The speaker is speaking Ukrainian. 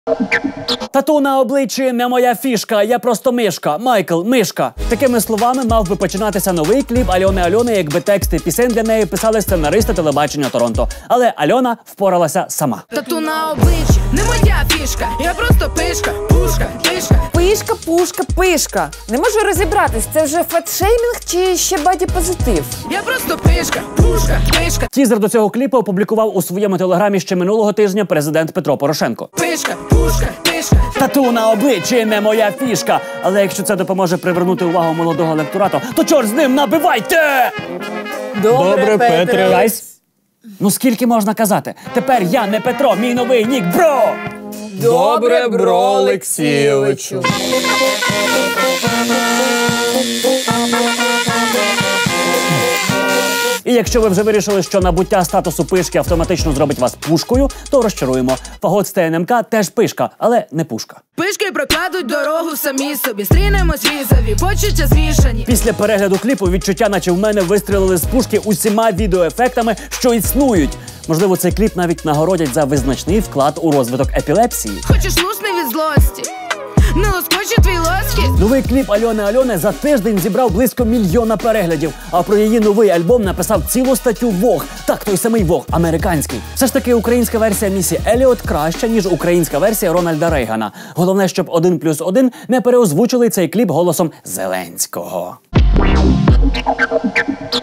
Тату на обличчі не моя фішка, я просто мишка. Майкл, мишка. Такими словами мав би починатися новий кліп Альони Альони, якби тексти пісень для неї писали сценаристи телебачення Торонто. Але Альона впоралася сама. Тату на обличчі не моя фішка, я просто пишка, пушка, пишка. Пишка, пушка, пишка. Не можу розібратись, це вже фетшеймінг чи ще боді-позитив? Я просто пишка, пушка, пишка. Тізер до цього кліпу опублікував у своєму телеграмі ще минулого тижня президент Петро Порошенко. Пишка, пушка, пишка. Тату на обличчі не моя фішка. Але якщо це допоможе привернути увагу молодого електорату, то чорт з ним, набивайте! Добре, Петре. Гайс. Ну скільки можна казати? Тепер я не Петро, мій новий нік, бро! Добре, бро Олексійовичу. І якщо ви вже вирішили, що набуття статусу пишки автоматично зробить вас пушкою, то розчаруємо. Фагот з ТНМК теж пишка, але не пушка. Пишки прокладуть дорогу самі собі, стрінемось візові, почуття змішані. Після перегляду кліпу відчуття, наче в мене вистрілили з пушки усіма відеоефектами, що існують. Можливо, цей кліп навіть нагородять за визначний вклад у розвиток епілепсії. Хочеш лусни від злості? Не лоскоче твій лоски. Новий кліп Альони Альони за тиждень зібрав близько 1 мільйона переглядів, а про її новий альбом написав цілу статтю Vogue. Так, той самий Vogue, американський. Все ж таки українська версія Місі Еліот краща, ніж українська версія Рональда Рейгана. Головне, щоб 1+1 не переозвучили цей кліп голосом Зеленського.